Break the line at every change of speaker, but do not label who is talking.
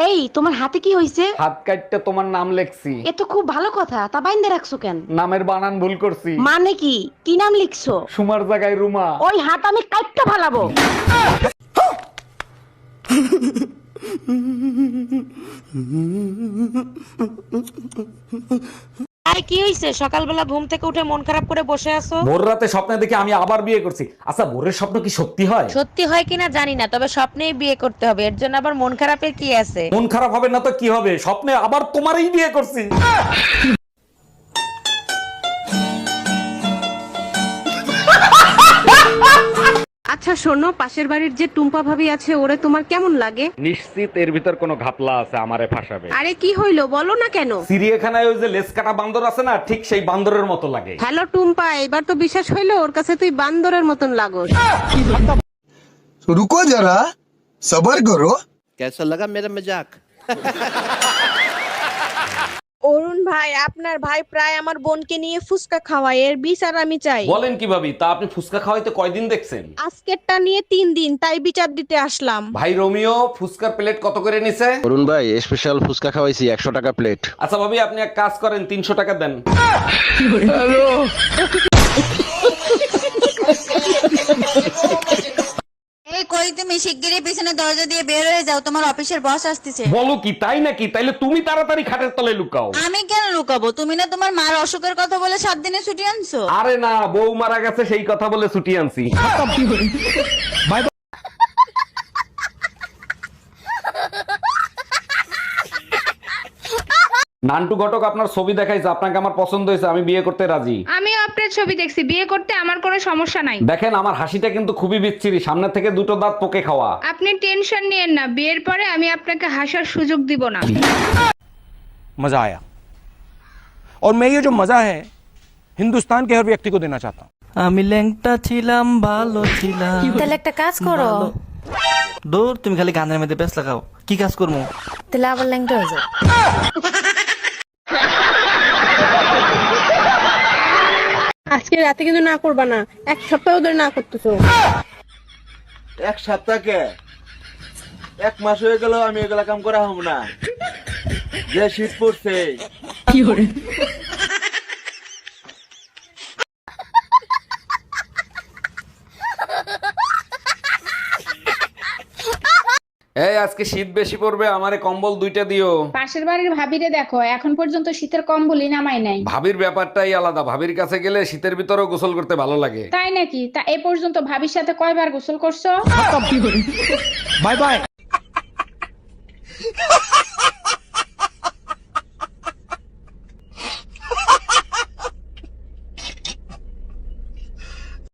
এই তোমার হাতে কি হইছে?
হাত কাটতে তোমার নাম লেখছি।
এ তো খুব ভালো কথা, তা বাইন্দে রাখছো কেন?
নামের বানান ভুল করছি।
মানে কি কি নাম লিখছো?
সুমার জায়গায় রুমা।
ওই হাত আমি কাটতে ফালাবো। আই কি হইছে? সকালবেলা ঘুম থেকে উঠে মন খারাপ করে বসে আছো।
ভোর রাতে স্বপ্নে দেখে আমি আবার বিয়ে করছি। আচ্ছা, ভোরের স্বপ্ন কি সত্যি হয়?
সত্যি হয় কিনা জানি না, তবে স্বপ্নেই বিয়ে করতে হবে। এর জন্য আবার মন খারাপের কি আছে?
মন খারাপ হবে না তো কি হবে? স্বপ্নে আবার তোমারই বিয়ে করছি।
আচ্ছা শোনো, পাশের বাড়ির যে টুম্পা ভাবি আছে ওরে তোমার কেমন লাগে?
নিশ্চিত এর ভিতর কোনো ঘাপলা আছে, আমারে ফাঁসাবে।
আরে কি হইলো বলো না কেন?
চিড়িয়াখানায় ওই যে লেজ কাটা বান্দর আছে না, ঠিক সেই বান্দরের মতো লাগে।
হ্যালো টুম্পা, এবার তো বিশ্বাস হইলো ওর কাছে তুই বান্দরের মতন লাগোস।
तो रुको जरा सबर करो।
कैसा लगा मेरा मजाक?
অরুণ ভাই, আপনার ভাই প্রায় আমার বোনকে নিয়ে ফুসকা খাওয়ায়, এর বিচার আমি চাই।
বলেন কি ভাবি, তা আপনি ফুচকা খাওয়াইতে কয়দিন দেখছেন?
আজকেরটা নিয়ে 3 দিন, তাই বিচার দিতে আসলাম।
ভাই রোমিও, ফুচকার প্লেট কত করে নিছে?
অরুণ ভাই স্পেশাল ফুচকা খাওয়াইছি 100 টাকা প্লেট।
আচ্ছা ভাবি, আপনি এক কাজ করেন, 300 টাকা দেন।
এই কই তুমি শিগগিরই পিছনে দরজা দিয়ে বের হয়ে যাও, তোমার অফিসের বস আসতেছে।
বলো কি, তাই নাকি? তাইলে তুমি তাড়াতাড়ি খাটের তলে লুকাও।
আমি কেন লুকাবো? তুমি না তোমার মার অসুখের কথা বলে 7 দিনে ছুটি আনছো।
আরে না, বউ মারা গেছে সেই কথা বলে ছুটি আনছি। নান্টু ঘটক আপনার ছবি দেখাইছে, আপনাকে আমার পছন্দ হয়েছে, আমি বিয়ে করতে রাজি।
আমিও আপনার ছবি দেখছি, বিয়ে করতে আমার কোনো সমস্যা নাই।
দেখেন আমার হাসিটা কিন্তু খুবই বিচ্ছিরি, সামনে থেকে দুটো দাঁত পোকে খাওয়া।
আপনি টেনশন নিয়েন না, বিয়ের পরে আমি আপনাকে হাসার সুযোগ দিব না।
मजा आया और मैं ये जो मजा है हिंदुस्तान के हर व्यक्ति को देना चाहता हूँ।
আমি ল্যাংটা ছিলাম, ভালো ছিলাম।
তাহলে একটা কাজ করো।
দূর, তুমি খালি গানের মধ্যে ব্যস্ত লাগাও। কি কাজ করবো?
তাহলে আবার ল্যাংটা হয়ে যাও।
আজকে রাতে কিন্তু না করবা না, 1 সপ্তাহ ধরে না করতেছো।
এক সপ্তাহ কে? 1 মাস হয়ে গেল আমি এগুলা কাম করা হব না। যে শীত পড়ছে।
এই আজকে শীত বেশি পড়বে, আমারে কম্বল 2টা দিও।
পাশের বাড়ির ভাবিরে দেখো, এখন পর্যন্ত শীতের কম্বলই নামাই নাই।
ভাবির ব্যাপারটাই আলাদা, ভাবির কাছে গেলে শীতের ভিতরেও গোসল করতে ভালো লাগে।
তাই নাকি? তা এ পর্যন্ত ভাবির সাথে কয়বার গোসল করছো?
Bye bye.